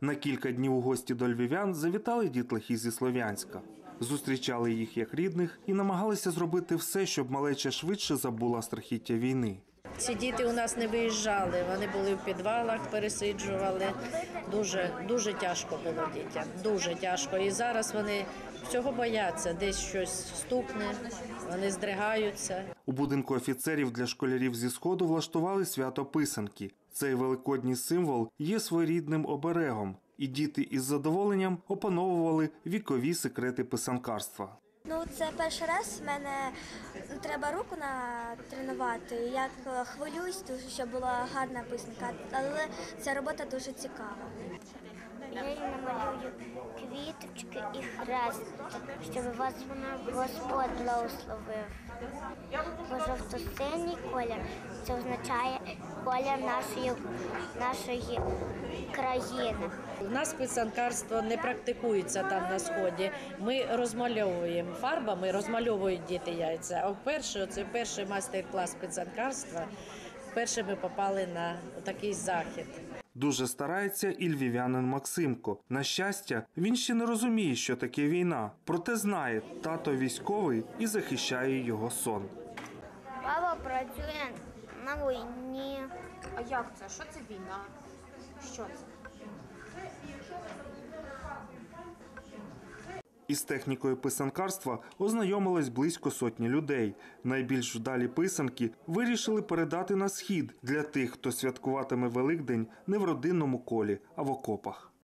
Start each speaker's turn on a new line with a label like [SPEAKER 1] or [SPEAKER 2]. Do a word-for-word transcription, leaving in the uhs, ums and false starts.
[SPEAKER 1] На кілька днів у гості до львів'ян завітали дітлахи зі Слов'янська. Зустрічали їх як рідних і намагалися зробити все, щоб малеча швидше забула страхіття війни.
[SPEAKER 2] Ці діти у нас не виїжджали, вони були в підвалах, пересиджували. Дуже, дуже тяжко було дітям, дуже тяжко. І зараз вони всього бояться, десь щось стукне, вони здригаються.
[SPEAKER 1] У будинку офіцерів для школярів зі Сходу влаштували свято писанки. Цей великодній символ є своєрідним оберегом, і діти із задоволенням опановували вікові секрети писанкарства.
[SPEAKER 3] Ну, це перший раз в мене треба руку натренувати. Я хвилююсь, дуже, щоб була гарна писанка, але ця робота дуже цікава.
[SPEAKER 4] Я їй намалюю квіточки і хрест, щоб вас Господь благословив. Бо жовто-синій колір – це означає колір нашої, нашої країни.
[SPEAKER 2] У нас писанкарство не практикується там на Сході. Ми розмальовуємо фарбами, розмальовують діти яйця. А вперше, це перший майстер-клас писанкарства, вперше ми попали на такий захід.
[SPEAKER 1] Дуже старається і львів'янин Максимко. На щастя, він ще не розуміє, що таке війна. Проте знає, тато військовий і захищає його сон.
[SPEAKER 4] Папа працює на війні.
[SPEAKER 5] А як це? Що це війна? Що це?
[SPEAKER 1] Із технікою писанкарства ознайомилось близько сотні людей. Найбільш вдалі писанки вирішили передати на Схід для тих, хто святкуватиме Великдень не в родинному колі, а в окопах.